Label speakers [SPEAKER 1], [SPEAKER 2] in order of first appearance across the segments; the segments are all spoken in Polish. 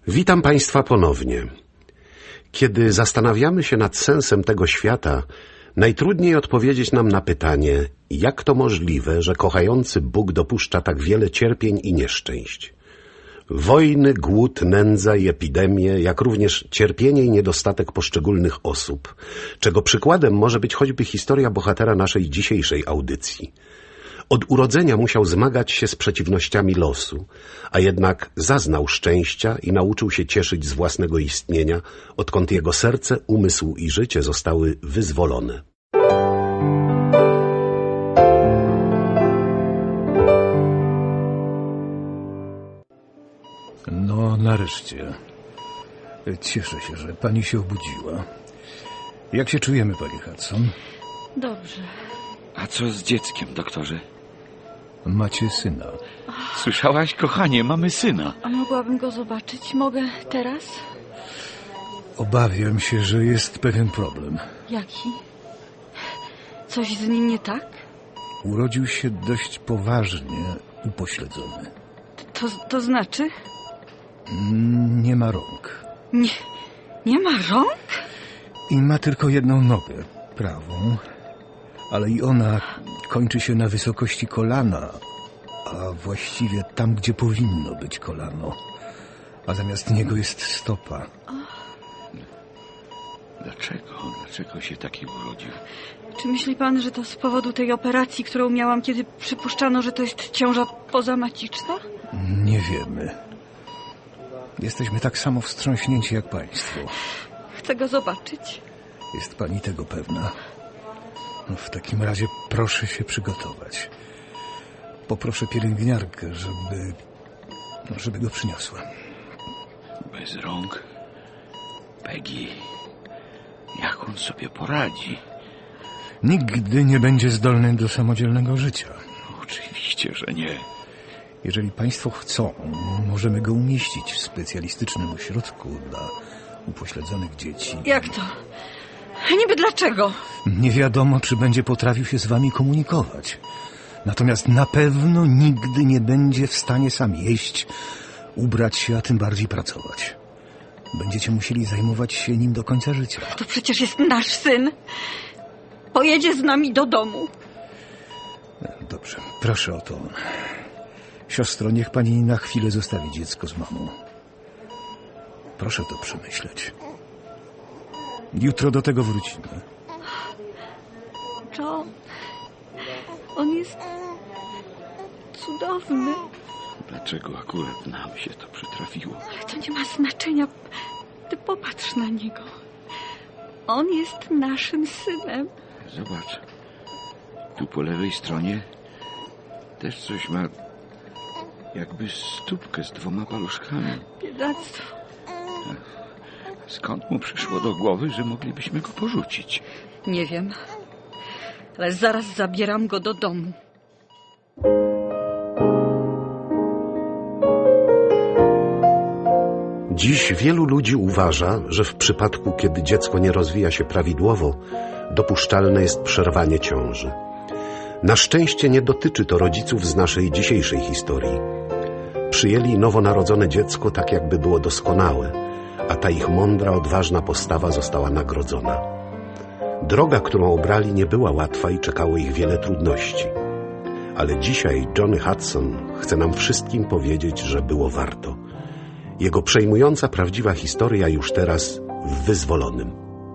[SPEAKER 1] Witam Państwa ponownie. Kiedy zastanawiamy się nad sensem tego świata, najtrudniej odpowiedzieć nam na pytanie, jak to możliwe, że kochający Bóg dopuszcza tak wiele cierpień i nieszczęść. Wojny, głód, nędza i epidemie, jak również cierpienie i niedostatek poszczególnych osób, czego przykładem może być choćby historia bohatera naszej dzisiejszej audycji. Od urodzenia musiał zmagać się z przeciwnościami losu, a jednak zaznał szczęścia i nauczył się cieszyć z własnego istnienia, odkąd jego serce, umysł i życie zostały wyzwolone.
[SPEAKER 2] No, nareszcie. Cieszę się, że pani się obudziła. Jak się czujemy, pani Hudson?
[SPEAKER 3] Dobrze.
[SPEAKER 4] A co z dzieckiem, doktorze?
[SPEAKER 2] Macie syna.
[SPEAKER 4] Słyszałaś, kochanie, mamy syna.
[SPEAKER 3] A mogłabym go zobaczyć? Mogę teraz?
[SPEAKER 2] Obawiam się, że jest pewien problem.
[SPEAKER 3] Jaki? Coś z nim nie tak?
[SPEAKER 2] Urodził się dość poważnie upośledzony.
[SPEAKER 3] To znaczy?
[SPEAKER 2] Nie ma rąk.
[SPEAKER 3] Nie ma rąk?
[SPEAKER 2] I ma tylko jedną nogę, prawą. Ale i ona kończy się na wysokości kolana, a właściwie tam, gdzie powinno być kolano. A zamiast niego jest stopa.
[SPEAKER 4] Dlaczego się taki urodził?
[SPEAKER 3] Czy myśli pan, że to z powodu tej operacji, którą miałam, kiedy przypuszczano, że to jest ciąża pozamaciczna?
[SPEAKER 2] Nie wiemy. Jesteśmy tak samo wstrząśnięci jak państwo.
[SPEAKER 3] Chcę go zobaczyć.
[SPEAKER 2] Jest pani tego pewna? No, w takim razie proszę się przygotować. Poproszę pielęgniarkę, żeby go przyniosła.
[SPEAKER 4] Bez rąk? Peggy, jak on sobie poradzi?
[SPEAKER 2] Nigdy nie będzie zdolny do samodzielnego życia.
[SPEAKER 4] Oczywiście, że nie.
[SPEAKER 2] Jeżeli państwo chcą, możemy go umieścić w specjalistycznym ośrodku dla upośledzonych dzieci.
[SPEAKER 3] Jak to? Niby dlaczego?
[SPEAKER 2] Nie wiadomo, czy będzie potrafił się z wami komunikować. Natomiast na pewno nigdy nie będzie w stanie sam jeść, ubrać się, a tym bardziej pracować. Będziecie musieli zajmować się nim do końca życia.
[SPEAKER 3] To przecież jest nasz syn. Pojedzie z nami do domu.
[SPEAKER 2] Dobrze, proszę o to. Siostro, niech pani na chwilę zostawi dziecko z mamą. Proszę to przemyśleć. Jutro do tego wrócimy.
[SPEAKER 3] John, on jest cudowny.
[SPEAKER 4] Dlaczego akurat nam się to przytrafiło?
[SPEAKER 3] Ale to nie ma znaczenia. Ty popatrz na niego. On jest naszym synem.
[SPEAKER 4] Zobacz. Tu po lewej stronie też coś ma, jakby stópkę z 2 paluszkami.
[SPEAKER 3] Biedactwo.
[SPEAKER 4] Skąd mu przyszło do głowy, że moglibyśmy go porzucić?
[SPEAKER 3] Nie wiem, ale zaraz zabieram go do domu.
[SPEAKER 1] Dziś wielu ludzi uważa, że w przypadku, kiedy dziecko nie rozwija się prawidłowo, dopuszczalne jest przerwanie ciąży. Na szczęście nie dotyczy to rodziców z naszej dzisiejszej historii. Przyjęli nowonarodzone dziecko tak, jakby było doskonałe, a ta ich mądra, odważna postawa została nagrodzona. Droga, którą obrali, nie była łatwa i czekało ich wiele trudności. Ale dzisiaj Johnny Hudson chce nam wszystkim powiedzieć, że było warto. Jego przejmująca, prawdziwa historia już teraz w Wyzwolonym.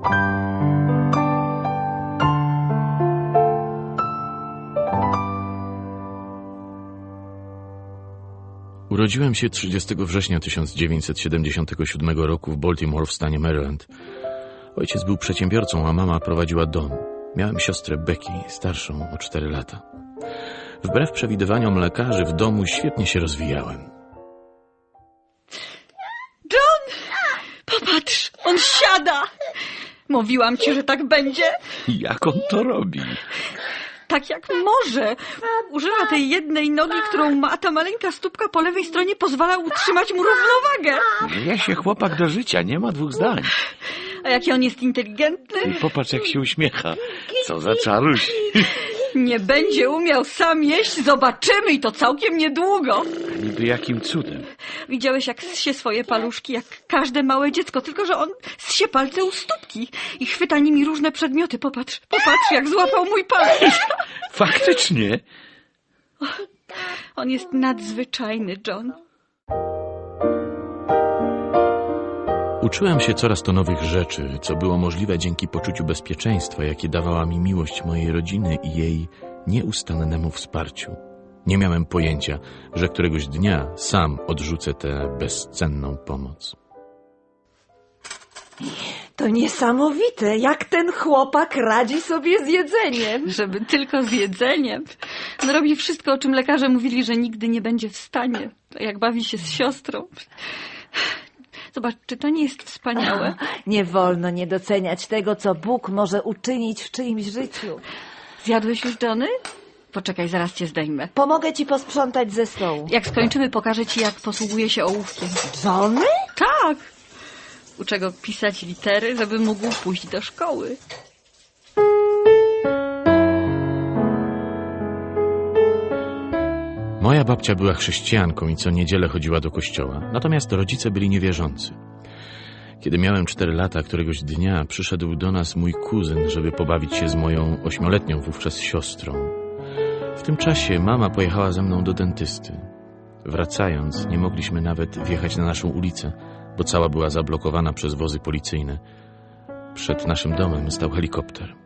[SPEAKER 5] Urodziłem się 30 września 1977 roku w Baltimore w stanie Maryland. Ojciec był przedsiębiorcą, a mama prowadziła dom. Miałem siostrę Becky, starszą o 4 lata. Wbrew przewidywaniom lekarzy w domu świetnie się rozwijałem.
[SPEAKER 3] John! Popatrz, on siada! Mówiłam ci, że tak będzie.
[SPEAKER 4] Jak on to robi?
[SPEAKER 3] Tak jak może. Używa tej jednej nogi, którą ma, a ta maleńka stópka po lewej stronie pozwala utrzymać mu równowagę.
[SPEAKER 4] Żyje się chłopak do życia, nie ma 2 zdań.
[SPEAKER 3] A jaki on jest inteligentny.
[SPEAKER 4] I popatrz, jak się uśmiecha. Co za czaruś.
[SPEAKER 3] Nie będzie umiał sam jeść, zobaczymy i to całkiem niedługo.
[SPEAKER 4] A niby jakim cudem?
[SPEAKER 3] Widziałeś, jak zsie swoje paluszki, jak każde małe dziecko, tylko że on zsie palce u stópki i chwyta nimi różne przedmioty. Popatrz, jak złapał mój palec.
[SPEAKER 4] Faktycznie.
[SPEAKER 3] On jest nadzwyczajny, John.
[SPEAKER 5] Uczyłem się coraz to nowych rzeczy, co było możliwe dzięki poczuciu bezpieczeństwa, jakie dawała mi miłość mojej rodziny i jej nieustannemu wsparciu. Nie miałem pojęcia, że któregoś dnia sam odrzucę tę bezcenną pomoc.
[SPEAKER 6] To niesamowite, jak ten chłopak radzi sobie z jedzeniem.
[SPEAKER 3] Żeby tylko z jedzeniem. On robi wszystko, o czym lekarze mówili, że nigdy nie będzie w stanie. To jak bawi się z siostrą. Zobacz, czy to nie jest wspaniałe?
[SPEAKER 6] Nie wolno nie doceniać tego, co Bóg może uczynić w czyimś życiu.
[SPEAKER 3] Zjadłeś już, Johnny? Poczekaj, zaraz cię zdejmę.
[SPEAKER 6] Pomogę ci posprzątać ze stołu.
[SPEAKER 3] Jak skończymy, pokażę ci, jak posługuje się ołówkiem.
[SPEAKER 6] Johnny?
[SPEAKER 3] Tak! Uczę go pisać litery, żeby mógł pójść do szkoły.
[SPEAKER 5] Moja babcia była chrześcijanką i co niedzielę chodziła do kościoła, natomiast rodzice byli niewierzący. Kiedy miałem 4 lata, któregoś dnia przyszedł do nas mój kuzyn, żeby pobawić się z moją 8-letnią wówczas siostrą. W tym czasie mama pojechała ze mną do dentysty. Wracając, nie mogliśmy nawet wjechać na naszą ulicę, bo cała była zablokowana przez wozy policyjne. Przed naszym domem stał helikopter.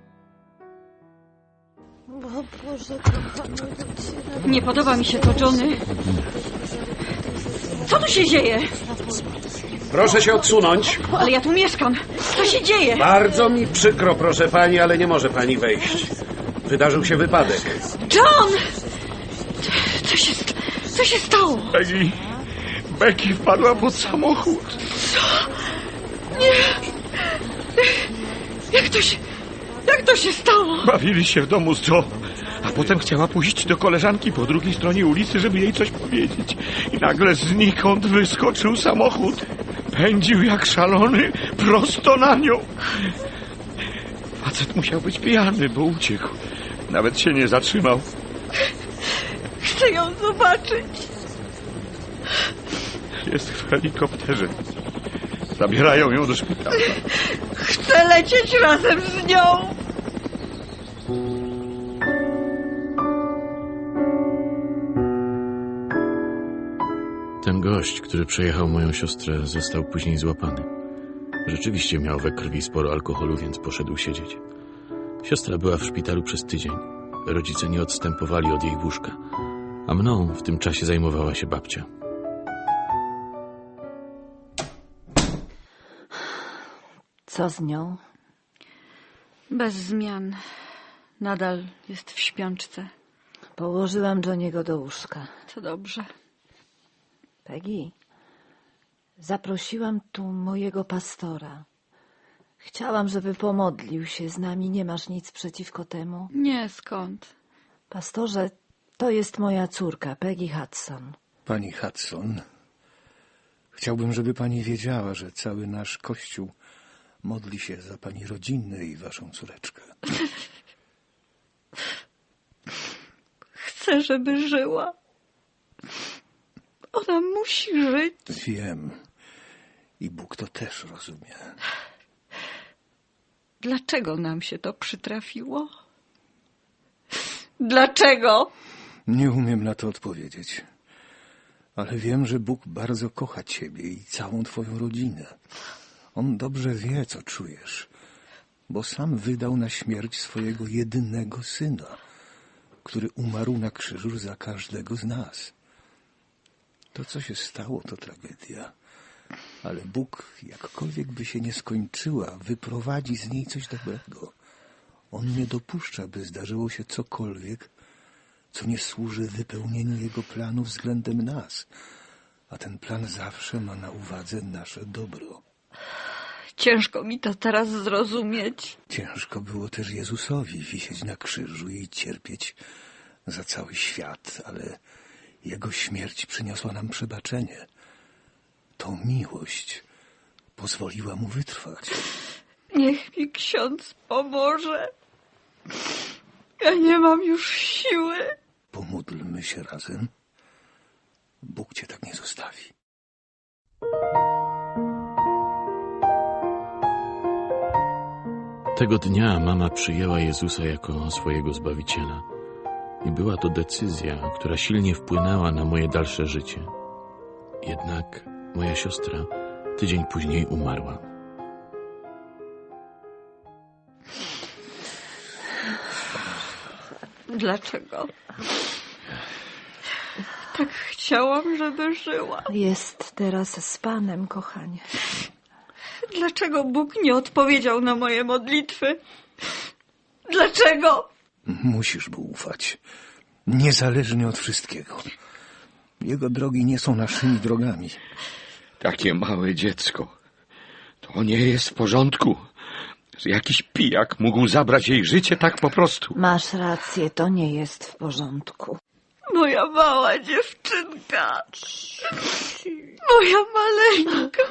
[SPEAKER 6] O Boże, kochany,
[SPEAKER 3] Nie podoba mi się to, Johnny. Co tu się dzieje?
[SPEAKER 1] Proszę się odsunąć.
[SPEAKER 3] Ale ja tu mieszkam. Co się dzieje?
[SPEAKER 1] Bardzo mi przykro, proszę pani, ale nie może pani wejść. Wydarzył się wypadek.
[SPEAKER 3] John! Co się stało?
[SPEAKER 4] Becky wpadła pod samochód.
[SPEAKER 3] Nie! Jak to się stało?
[SPEAKER 4] Bawili się w domu z Joe, a potem chciała pójść do koleżanki po drugiej stronie ulicy, żeby jej coś powiedzieć. I nagle znikąd wyskoczył samochód. Pędził jak szalony prosto na nią. Facet musiał być pijany, bo uciekł. Nawet się nie zatrzymał.
[SPEAKER 3] Chcę ją zobaczyć.
[SPEAKER 4] Jest w helikopterze. Zabierają ją do szpitala.
[SPEAKER 3] Chcę lecieć razem z nią.
[SPEAKER 5] Ten gość, który przejechał moją siostrę, został później złapany. Rzeczywiście miał we krwi sporo alkoholu, więc poszedł siedzieć. Siostra była w szpitalu przez tydzień. Rodzice nie odstępowali od jej łóżka, a mną w tym czasie zajmowała się babcia.
[SPEAKER 6] Co z nią?
[SPEAKER 3] Bez zmian. Nadal jest w śpiączce.
[SPEAKER 6] Położyłam Johniego do łóżka.
[SPEAKER 3] To dobrze.
[SPEAKER 6] Peggy, zaprosiłam tu mojego pastora. Chciałam, żeby pomodlił się z nami. Nie masz nic przeciwko temu?
[SPEAKER 3] Nie, skąd?
[SPEAKER 6] Pastorze, to jest moja córka, Peggy Hudson.
[SPEAKER 2] Pani Hudson, chciałbym, żeby pani wiedziała, że cały nasz kościół modli się za pani rodzinę i waszą córeczkę.
[SPEAKER 3] Chcę, żeby żyła. Ona musi żyć.
[SPEAKER 2] Wiem. I Bóg to też rozumie.
[SPEAKER 3] Dlaczego nam się to przytrafiło? Dlaczego?
[SPEAKER 2] Nie umiem na to odpowiedzieć. Ale wiem, że Bóg bardzo kocha ciebie i całą twoją rodzinę. On dobrze wie, co czujesz, bo sam wydał na śmierć swojego jedynego syna, który umarł na krzyżu za każdego z nas. To, co się stało, to tragedia. Ale Bóg, jakkolwiek by się nie skończyła, wyprowadzi z niej coś dobrego. On nie dopuszcza, by zdarzyło się cokolwiek, co nie służy wypełnieniu Jego planu względem nas. A ten plan zawsze ma na uwadze nasze dobro.
[SPEAKER 3] Ciężko mi to teraz zrozumieć.
[SPEAKER 2] Ciężko było też Jezusowi wisieć na krzyżu i cierpieć za cały świat, ale Jego śmierć przyniosła nam przebaczenie. To miłość pozwoliła Mu wytrwać.
[SPEAKER 3] Niech mi ksiądz pomoże. Ja nie mam już siły.
[SPEAKER 2] Pomódlmy się razem. Bóg cię tak nie zostawi.
[SPEAKER 5] Tego dnia mama przyjęła Jezusa jako swojego Zbawiciela. I była to decyzja, która silnie wpłynęła na moje dalsze życie. Jednak moja siostra tydzień później umarła.
[SPEAKER 3] Dlaczego? Tak chciałam, żeby żyła.
[SPEAKER 6] Jest teraz z Panem, kochanie.
[SPEAKER 3] Dlaczego Bóg nie odpowiedział na moje modlitwy? Dlaczego?
[SPEAKER 2] Musisz mu ufać. Niezależnie od wszystkiego. Jego drogi nie są naszymi drogami.
[SPEAKER 4] Takie małe dziecko. To nie jest w porządku, że jakiś pijak mógł zabrać jej życie tak po prostu.
[SPEAKER 6] Masz rację, to nie jest w porządku.
[SPEAKER 3] Moja mała dziewczynka. Moja maleńka.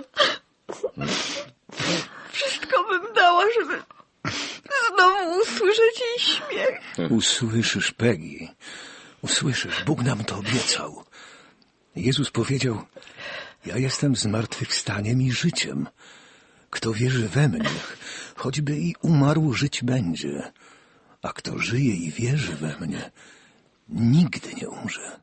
[SPEAKER 3] Wszystko bym dała, żeby znowu usłyszeć jej śmiech.
[SPEAKER 2] Usłyszysz, Peggy. Usłyszysz. Bóg nam to obiecał. Jezus powiedział: ja jestem zmartwychwstaniem i życiem. Kto wierzy we mnie, choćby i umarł, żyć będzie. A kto żyje i wierzy we mnie, nigdy nie umrze.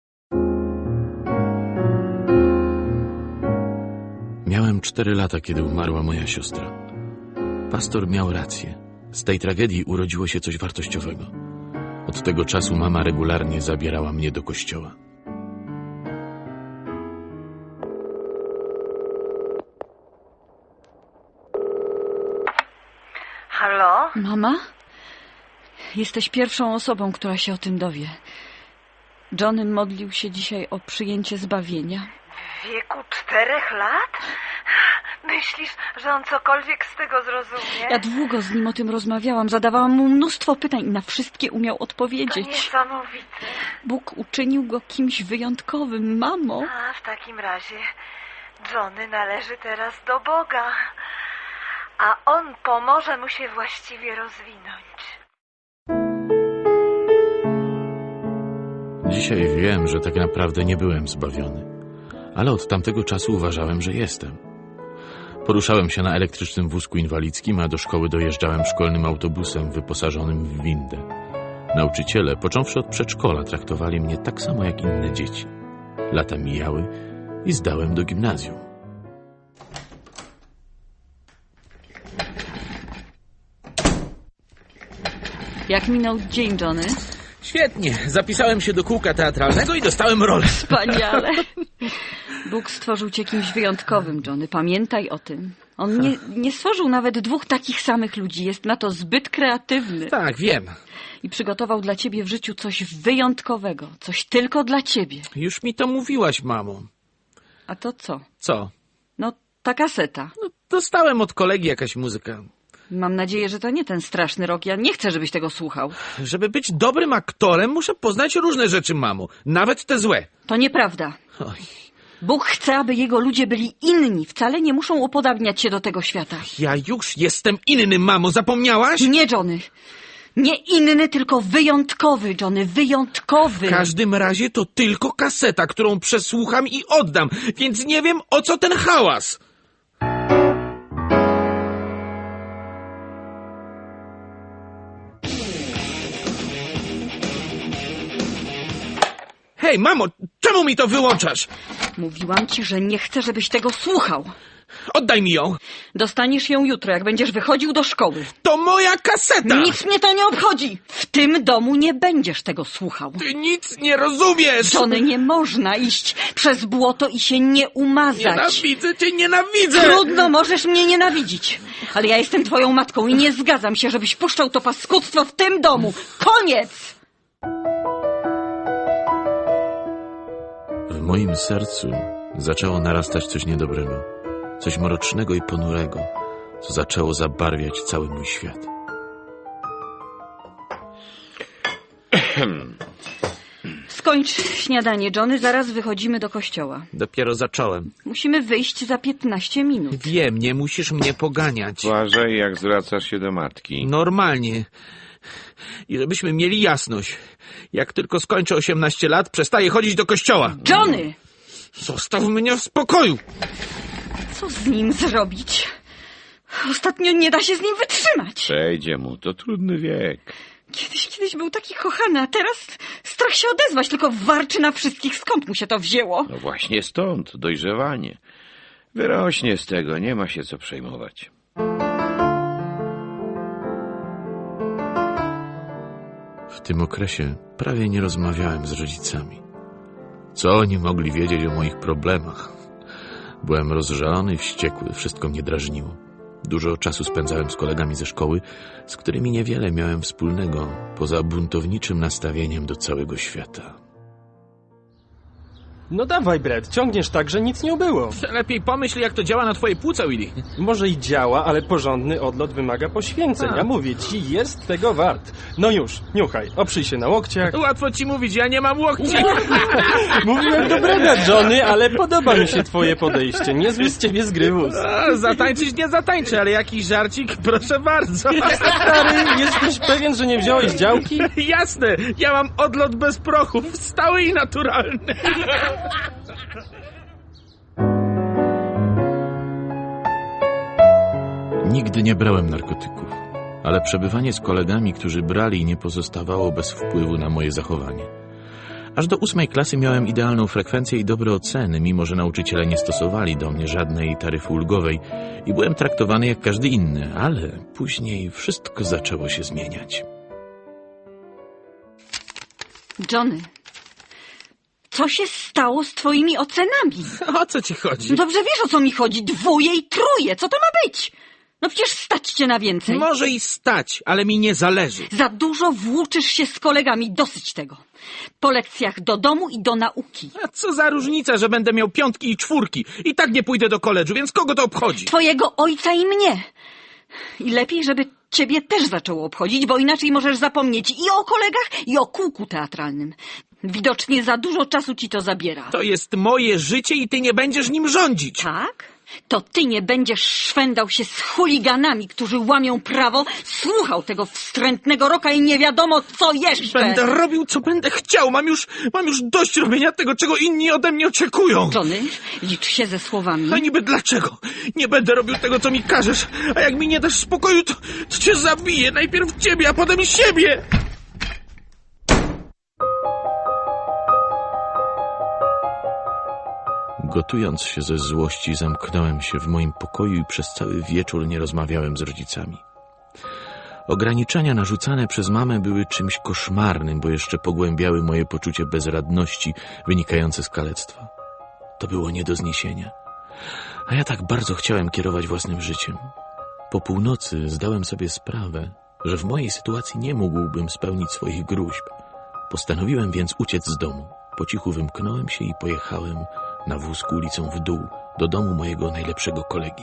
[SPEAKER 5] Miałem 4 lata, kiedy umarła moja siostra. Pastor miał rację. Z tej tragedii urodziło się coś wartościowego. Od tego czasu mama regularnie zabierała mnie do kościoła.
[SPEAKER 6] Halo?
[SPEAKER 3] Mama? Jesteś pierwszą osobą, która się o tym dowie. Johnny modlił się dzisiaj o przyjęcie zbawienia.
[SPEAKER 6] W wieku 4 lat? Myślisz, że on cokolwiek z tego zrozumie?
[SPEAKER 3] Ja długo z nim o tym rozmawiałam, zadawałam mu mnóstwo pytań i na wszystkie umiał
[SPEAKER 6] To
[SPEAKER 3] odpowiedzieć.
[SPEAKER 6] niesamowite.
[SPEAKER 3] Bóg uczynił go kimś wyjątkowym, mamo.
[SPEAKER 6] A w takim razie Johnny należy teraz do Boga, a On pomoże mu się właściwie rozwinąć.
[SPEAKER 5] Dzisiaj wiem, że tak naprawdę nie byłem zbawiony, ale od tamtego czasu uważałem, że jestem. Poruszałem się na elektrycznym wózku inwalidzkim, a do szkoły dojeżdżałem szkolnym autobusem wyposażonym w windę. Nauczyciele, począwszy od przedszkola, traktowali mnie tak samo jak inne dzieci. Lata mijały i zdałem do gimnazjum.
[SPEAKER 3] Jak minął dzień, Johnny?
[SPEAKER 5] Świetnie. Zapisałem się do kółka teatralnego i dostałem rolę.
[SPEAKER 3] Wspaniale. Bóg stworzył cię kimś wyjątkowym, Johnny. Pamiętaj o tym. On nie stworzył nawet 2 takich samych ludzi. Jest na to zbyt kreatywny.
[SPEAKER 5] Tak, wiem.
[SPEAKER 3] I przygotował dla ciebie w życiu coś wyjątkowego. Coś tylko dla ciebie.
[SPEAKER 5] Już mi to mówiłaś, mamo.
[SPEAKER 3] A to co?
[SPEAKER 5] Co?
[SPEAKER 3] No, ta kaseta.
[SPEAKER 5] No, dostałem od kolegi jakaś muzyka.
[SPEAKER 3] Mam nadzieję, że to nie ten straszny rok. Ja nie chcę, żebyś tego słuchał.
[SPEAKER 5] Żeby być dobrym aktorem, muszę poznać różne rzeczy, mamo. Nawet te złe.
[SPEAKER 3] To nieprawda.
[SPEAKER 5] Oj,
[SPEAKER 3] Bóg chce, aby jego ludzie byli inni. Wcale nie muszą upodabniać się do tego świata.
[SPEAKER 5] ja już jestem inny, mamo. Zapomniałaś?
[SPEAKER 3] Nie, Johnny. Nie inny, tylko wyjątkowy, Johnny. Wyjątkowy.
[SPEAKER 5] W każdym razie to tylko kaseta, którą przesłucham i oddam, więc nie wiem, o co ten hałas. Hej, mamo, czemu mi to wyłączasz?
[SPEAKER 3] Mówiłam ci, że nie chcę, żebyś tego słuchał.
[SPEAKER 5] Oddaj mi ją.
[SPEAKER 3] Dostaniesz ją jutro, jak będziesz wychodził do szkoły.
[SPEAKER 5] To moja kaseta.
[SPEAKER 3] Nic mnie to nie obchodzi. W tym domu nie będziesz tego słuchał.
[SPEAKER 5] Ty nic nie rozumiesz.
[SPEAKER 3] Johnny, nie można iść przez błoto i się nie umazać.
[SPEAKER 5] Nienawidzę cię, nienawidzę.
[SPEAKER 3] Trudno, możesz mnie nienawidzić. Ale ja jestem twoją matką i nie zgadzam się, żebyś puszczał to paskudztwo w tym domu. Koniec!
[SPEAKER 5] W moim sercu zaczęło narastać coś niedobrego, coś mrocznego i ponurego, co zaczęło zabarwiać cały mój świat.
[SPEAKER 3] Skończ śniadanie, Johnny, zaraz wychodzimy do kościoła.
[SPEAKER 5] Dopiero zacząłem.
[SPEAKER 3] Musimy wyjść za 15 minut.
[SPEAKER 5] Wiem, nie musisz mnie poganiać.
[SPEAKER 4] Uważaj, jak zwracasz się do matki.
[SPEAKER 5] Normalnie. I żebyśmy mieli jasność. Jak tylko skończę 18 lat, przestaję chodzić do kościoła.
[SPEAKER 3] Johnny!
[SPEAKER 5] Zostaw mnie w spokoju!
[SPEAKER 3] Co z nim zrobić? Ostatnio nie da się z nim wytrzymać.
[SPEAKER 4] Przejdzie mu, to trudny wiek.
[SPEAKER 3] Kiedyś był taki kochany, a teraz strach się odezwać, tylko warczy na wszystkich, skąd mu się to wzięło.
[SPEAKER 4] No właśnie stąd, dojrzewanie. Wyrośnie z tego, nie ma się co przejmować.
[SPEAKER 5] W tym okresie prawie nie rozmawiałem z rodzicami. Co oni mogli wiedzieć o moich problemach? Byłem rozżalony, wściekły, wszystko mnie drażniło. Dużo czasu spędzałem z kolegami ze szkoły, z którymi niewiele miałem wspólnego, poza buntowniczym nastawieniem do całego świata.
[SPEAKER 7] No dawaj, Brett, ciągniesz tak, że nic nie ubyło.
[SPEAKER 5] Lepiej pomyśl, jak to działa na twoje płuca, Willy.
[SPEAKER 7] Może i działa, ale porządny odlot wymaga poświęceń. Ja mówię ci, jest tego wart. No już, niuchaj, oprzyj się na łokciach.
[SPEAKER 5] Łatwo ci mówić, ja nie mam łokci.
[SPEAKER 7] Mówiłem do Breda, Johnny, ale podoba mi się twoje podejście. Niezły z ciebie zgrywus.
[SPEAKER 5] Zatańczyć nie zatańczę, ale jakiś żarcik, proszę bardzo.
[SPEAKER 7] Stary, jesteś pewien, że nie wziąłeś działki?
[SPEAKER 5] Jasne, ja mam odlot bez prochów, stały i naturalny. Nigdy nie brałem narkotyków, ale przebywanie z kolegami, którzy brali, nie pozostawało bez wpływu na moje zachowanie. Aż do 8. klasy miałem idealną frekwencję i dobre oceny, mimo że nauczyciele nie stosowali do mnie żadnej taryfy ulgowej i byłem traktowany jak każdy inny, ale później wszystko zaczęło się zmieniać.
[SPEAKER 3] Johnny, co się stało z twoimi ocenami?
[SPEAKER 5] O co ci chodzi?
[SPEAKER 3] No dobrze wiesz, o co mi chodzi. 2 i 3. Co to ma być? No przecież stać cię na więcej.
[SPEAKER 5] Może i stać, ale mi nie zależy.
[SPEAKER 3] Za dużo włóczysz się z kolegami. Dosyć tego. Po lekcjach do domu i do nauki.
[SPEAKER 5] A co za różnica, że będę miał 5 i 4? I tak nie pójdę do koledżu, więc kogo to obchodzi?
[SPEAKER 3] Twojego ojca i mnie. I lepiej, żeby ciebie też zaczęło obchodzić, bo inaczej możesz zapomnieć i o kolegach, i o kółku teatralnym. Widocznie za dużo czasu ci to zabiera.
[SPEAKER 5] To jest moje życie i ty nie będziesz nim rządzić.
[SPEAKER 3] Tak? To ty nie będziesz szwendał się z chuliganami, którzy łamią prawo, słuchał tego wstrętnego roka i nie wiadomo co jeszcze.
[SPEAKER 5] Będę robił, co będę chciał. Mam już dość robienia tego, czego inni ode mnie oczekują.
[SPEAKER 3] Johnny, licz się ze słowami.
[SPEAKER 5] A niby dlaczego? Nie będę robił tego, co mi każesz. A jak mi nie dasz spokoju, to cię zabiję. Najpierw ciebie, a potem siebie. Gotując się ze złości, zamknąłem się w moim pokoju i przez cały wieczór nie rozmawiałem z rodzicami. Ograniczenia narzucane przez mamę były czymś koszmarnym, bo jeszcze pogłębiały moje poczucie bezradności wynikające z kalectwa. To było nie do zniesienia. A ja tak bardzo chciałem kierować własnym życiem. Po północy zdałem sobie sprawę, że w mojej sytuacji nie mógłbym spełnić swoich gróźb. Postanowiłem więc uciec z domu. Po cichu wymknąłem się i pojechałem na wózku ulicą w dół do domu mojego najlepszego kolegi.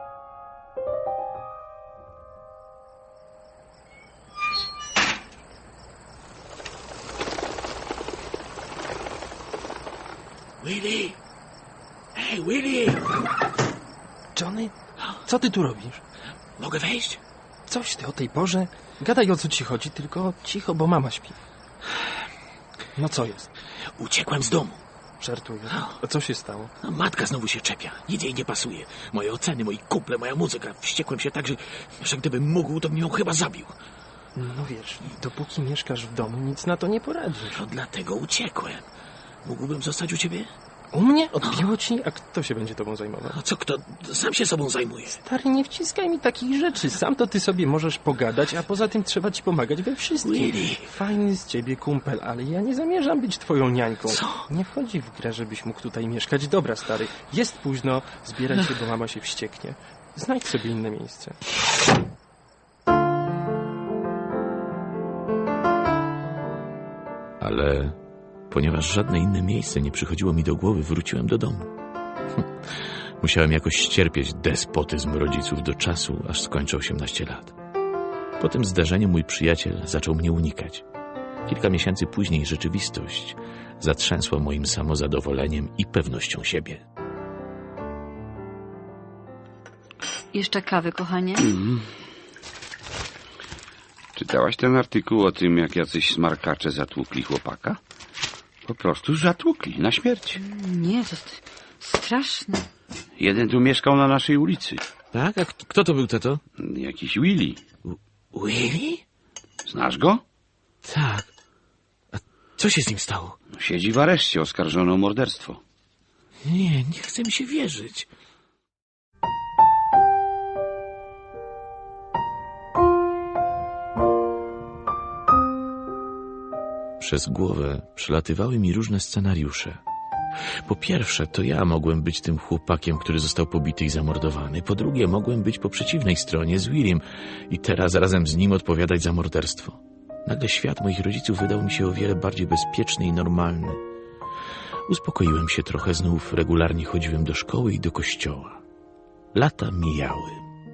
[SPEAKER 5] Willy! Hej, Willy!
[SPEAKER 7] Johnny, co ty tu robisz?
[SPEAKER 5] Mogę wejść?
[SPEAKER 7] Coś ty o tej porze? Gadaj, o co ci chodzi, tylko cicho, bo mama śpi. No co jest?
[SPEAKER 5] Uciekłem z domu.
[SPEAKER 7] Żartuję. A co się stało?
[SPEAKER 5] A matka znowu się czepia. Nic jej nie pasuje. Moje oceny, moi kumple, moja muzyka. Wściekłem się tak, że gdybym mógł, to bym ją chyba zabił.
[SPEAKER 7] No wiesz, dopóki mieszkasz w domu, nic na to nie poradzisz.
[SPEAKER 5] No dlatego uciekłem. Mógłbym zostać u ciebie?
[SPEAKER 7] U mnie? Odbiło ci? A kto się będzie tobą zajmował?
[SPEAKER 5] A co kto? Sam się sobą zajmuje.
[SPEAKER 7] Stary, nie wciskaj mi takich rzeczy. Sam to ty sobie możesz pogadać, a poza tym trzeba ci pomagać we wszystkim.
[SPEAKER 5] Willy.
[SPEAKER 7] Fajny z ciebie kumpel, ale ja nie zamierzam być twoją niańką.
[SPEAKER 5] Co?
[SPEAKER 7] Nie wchodzi w grę, żebyś mógł tutaj mieszkać. Dobra, stary, jest późno, zbieraj się, bo mama się wścieknie. Znajdź sobie inne miejsce.
[SPEAKER 5] Ale ponieważ żadne inne miejsce nie przychodziło mi do głowy, wróciłem do domu. Musiałem jakoś ścierpieć despotyzm rodziców do czasu, aż skończę 18 lat. Po tym zdarzeniu mój przyjaciel zaczął mnie unikać. Kilka miesięcy później rzeczywistość zatrzęsła moim samozadowoleniem i pewnością siebie.
[SPEAKER 3] Jeszcze kawy, kochanie?
[SPEAKER 8] Czytałaś ten artykuł o tym, jak jacyś smarkacze zatłukli chłopaka? Po prostu zatłukli, na śmierć.
[SPEAKER 3] Nie, to straszne.
[SPEAKER 8] Jeden tu mieszkał na naszej ulicy.
[SPEAKER 5] Tak? A kto to był, tato?
[SPEAKER 8] Jakiś Willy.
[SPEAKER 5] Willy?
[SPEAKER 8] Znasz go?
[SPEAKER 5] Tak. A co się z nim stało?
[SPEAKER 8] Siedzi w areszcie, oskarżony o morderstwo.
[SPEAKER 5] Nie chce mi się wierzyć. Przez głowę przelatywały mi różne scenariusze. Po pierwsze, to ja mogłem być tym chłopakiem, który został pobity i zamordowany. Po drugie, mogłem być po przeciwnej stronie z Willym i teraz razem z nim odpowiadać za morderstwo. Nagle świat moich rodziców wydał mi się o wiele bardziej bezpieczny i normalny. Uspokoiłem się trochę, znów regularnie chodziłem do szkoły i do kościoła. Lata mijały.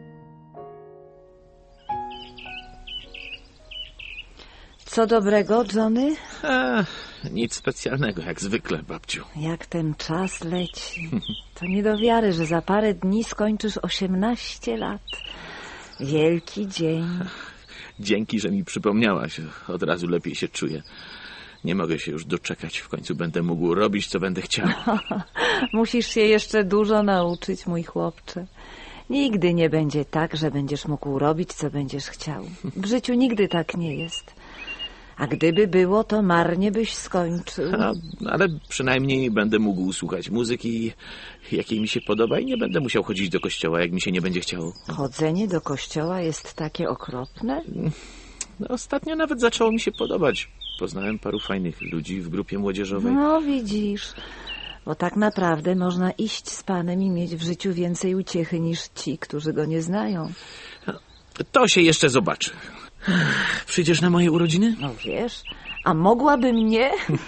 [SPEAKER 6] Co dobrego, Johnny?
[SPEAKER 5] Nic specjalnego, jak zwykle, babciu.
[SPEAKER 6] Jak ten czas leci. To nie do wiary, że za parę dni skończysz 18 lat. Wielki dzień.
[SPEAKER 5] Dzięki, że mi przypomniałaś. Od razu lepiej się czuję. Nie mogę się już doczekać. W końcu będę mógł robić, co będę chciał.
[SPEAKER 6] Musisz się jeszcze dużo nauczyć, mój chłopcze. Nigdy nie będzie tak, że będziesz mógł robić, co będziesz chciał. W życiu nigdy tak nie jest. A gdyby było, to marnie byś skończył.
[SPEAKER 5] Ale przynajmniej będę mógł słuchać muzyki, jakiej mi się podoba i nie będę musiał chodzić do kościoła, jak mi się nie będzie chciało.
[SPEAKER 6] Chodzenie do kościoła jest takie okropne?
[SPEAKER 5] Ostatnio nawet zaczęło mi się podobać. Poznałem paru fajnych ludzi w grupie młodzieżowej.
[SPEAKER 6] No widzisz, bo tak naprawdę można iść z Panem i mieć w życiu więcej uciechy niż ci, którzy Go nie znają.
[SPEAKER 5] To się jeszcze zobaczy. Przyjdziesz na moje urodziny?
[SPEAKER 6] No wiesz, a mogłabym nie?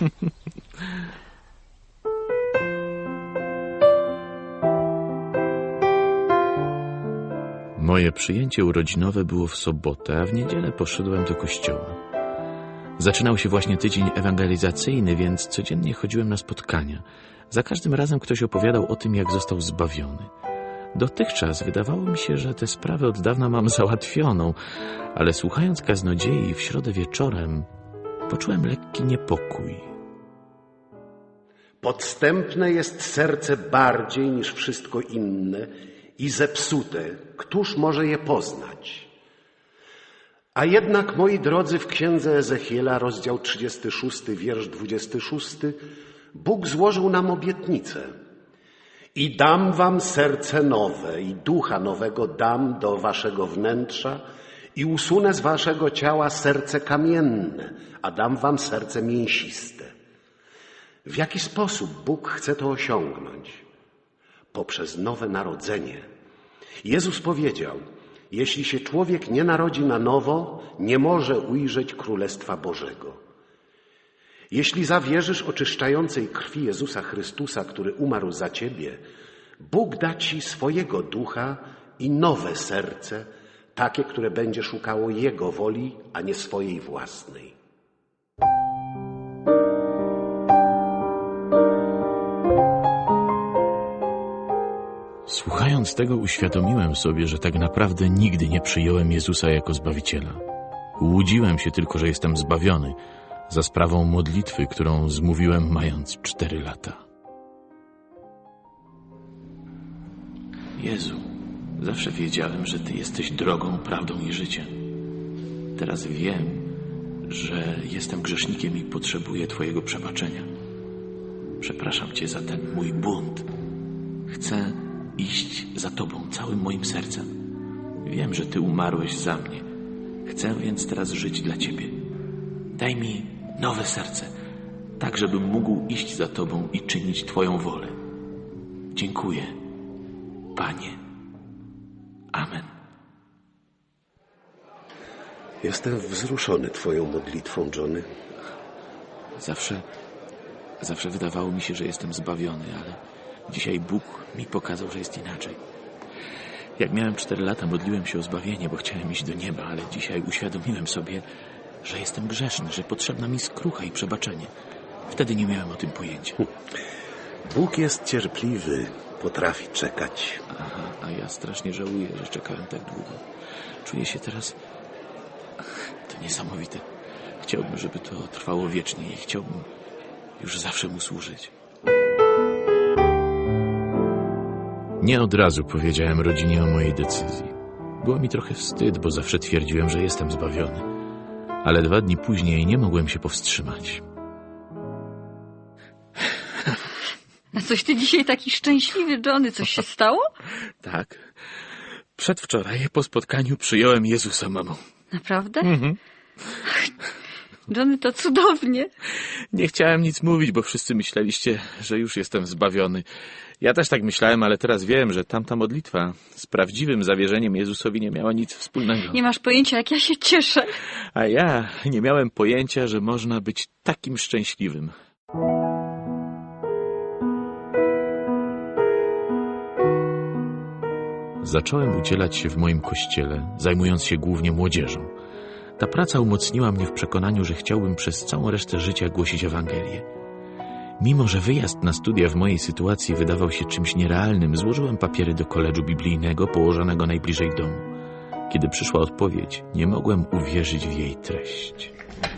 [SPEAKER 5] Moje przyjęcie urodzinowe było w sobotę, a w niedzielę poszedłem do kościoła. Zaczynał się właśnie tydzień ewangelizacyjny, więc codziennie chodziłem na spotkania. Za każdym razem ktoś opowiadał o tym, jak został zbawiony. Dotychczas wydawało mi się, że tę sprawę od dawna mam załatwioną, ale słuchając kaznodziei w środę wieczorem, poczułem lekki niepokój.
[SPEAKER 1] Podstępne jest serce bardziej niż wszystko inne i zepsute. Któż może je poznać? A jednak, moi drodzy, w księdze Ezechiela, rozdział 36, wiersz 26, Bóg złożył nam obietnicę. I dam wam serce nowe i ducha nowego dam do waszego wnętrza i usunę z waszego ciała serce kamienne, a dam wam serce mięsiste. W jaki sposób Bóg chce to osiągnąć? Poprzez nowe narodzenie. Jezus powiedział, jeśli się człowiek nie narodzi na nowo, nie może ujrzeć Królestwa Bożego. Jeśli zawierzysz oczyszczającej krwi Jezusa Chrystusa, który umarł za ciebie, Bóg da ci swojego ducha i nowe serce, takie, które będzie szukało Jego woli, a nie swojej własnej.
[SPEAKER 5] Słuchając tego, uświadomiłem sobie, że tak naprawdę nigdy nie przyjąłem Jezusa jako Zbawiciela. Łudziłem się tylko, że jestem zbawiony, za sprawą modlitwy, którą zmówiłem mając 4 lata. Jezu, zawsze wiedziałem, że Ty jesteś drogą, prawdą i życiem. Teraz wiem, że jestem grzesznikiem i potrzebuję Twojego przebaczenia. Przepraszam Cię za ten mój bunt. Chcę iść za Tobą całym moim sercem. Wiem, że Ty umarłeś za mnie. Chcę więc teraz żyć dla Ciebie. Daj mi nowe serce, tak żebym mógł iść za Tobą i czynić Twoją wolę. Dziękuję, Panie. Amen.
[SPEAKER 1] Jestem wzruszony Twoją modlitwą, Johnny.
[SPEAKER 5] Zawsze wydawało mi się, że jestem zbawiony, ale dzisiaj Bóg mi pokazał, że jest inaczej. Jak miałem 4 lata, modliłem się o zbawienie, bo chciałem iść do nieba, ale dzisiaj uświadomiłem sobie, że jestem grzeszny, że potrzebna mi skrucha i przebaczenie. Wtedy nie miałem o tym pojęcia.
[SPEAKER 1] Bóg jest cierpliwy, potrafi czekać.
[SPEAKER 5] Aha, a ja strasznie żałuję, że czekałem tak długo. Czuję się teraz To niesamowite. Chciałbym, żeby to trwało wiecznie i chciałbym już zawsze mu służyć. Nie od razu powiedziałem rodzinie o mojej decyzji. Było mi trochę wstyd, bo zawsze twierdziłem, że jestem zbawiony. Ale 2 dni później nie mogłem się powstrzymać.
[SPEAKER 3] A coś ty dzisiaj taki szczęśliwy, Johnny. Coś się stało?
[SPEAKER 5] Tak. Przedwczoraj po spotkaniu przyjąłem Jezusa, mamo.
[SPEAKER 3] Naprawdę? Johnny, to cudownie.
[SPEAKER 5] Nie chciałem nic mówić, bo wszyscy myśleliście, że już jestem zbawiony. Ja też tak myślałem, ale teraz wiem, że tamta modlitwa z prawdziwym zawierzeniem Jezusowi nie miała nic wspólnego.
[SPEAKER 3] Nie masz pojęcia, jak ja się cieszę.
[SPEAKER 5] A ja nie miałem pojęcia, że można być takim szczęśliwym. Zacząłem udzielać się w moim kościele, zajmując się głównie młodzieżą. Ta praca umocniła mnie w przekonaniu, że chciałbym przez całą resztę życia głosić Ewangelię. Mimo że wyjazd na studia w mojej sytuacji wydawał się czymś nierealnym, złożyłem papiery do koledżu biblijnego położonego najbliżej domu. Kiedy przyszła odpowiedź, nie mogłem uwierzyć w jej treść.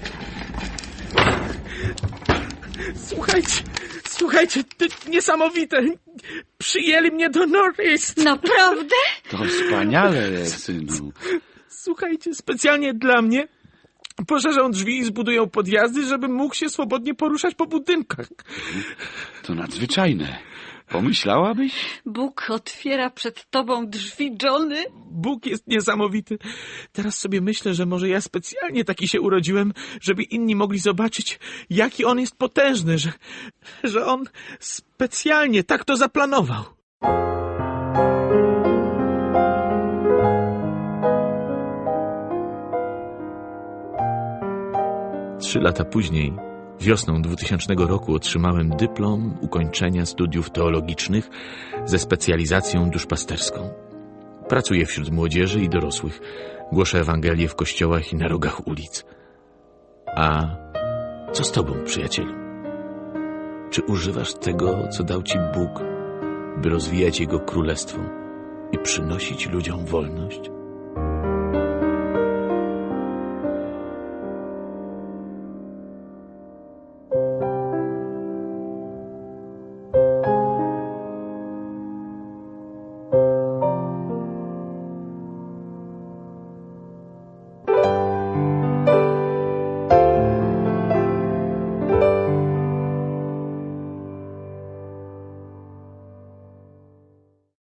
[SPEAKER 5] Słuchajcie, to niesamowite. Przyjęli mnie do Northeast.
[SPEAKER 3] Naprawdę?
[SPEAKER 8] To wspaniale, synu.
[SPEAKER 5] Słuchajcie, specjalnie dla mnie poszerzą drzwi i zbudują podjazdy, żebym mógł się swobodnie poruszać po budynkach.
[SPEAKER 8] To nadzwyczajne. Pomyślałabyś?
[SPEAKER 3] Bóg otwiera przed tobą drzwi, Johnny.
[SPEAKER 5] Bóg jest niesamowity. Teraz sobie myślę, że może ja specjalnie taki się urodziłem, żeby inni mogli zobaczyć, jaki On jest potężny, że On specjalnie tak to zaplanował. Trzy lata później, wiosną 2000 roku, otrzymałem dyplom ukończenia studiów teologicznych ze specjalizacją duszpasterską. Pracuję wśród młodzieży i dorosłych. Głoszę Ewangelię w kościołach i na rogach ulic. A co z tobą, przyjacielu? Czy używasz tego, co dał ci Bóg, by rozwijać Jego królestwo i przynosić ludziom wolność?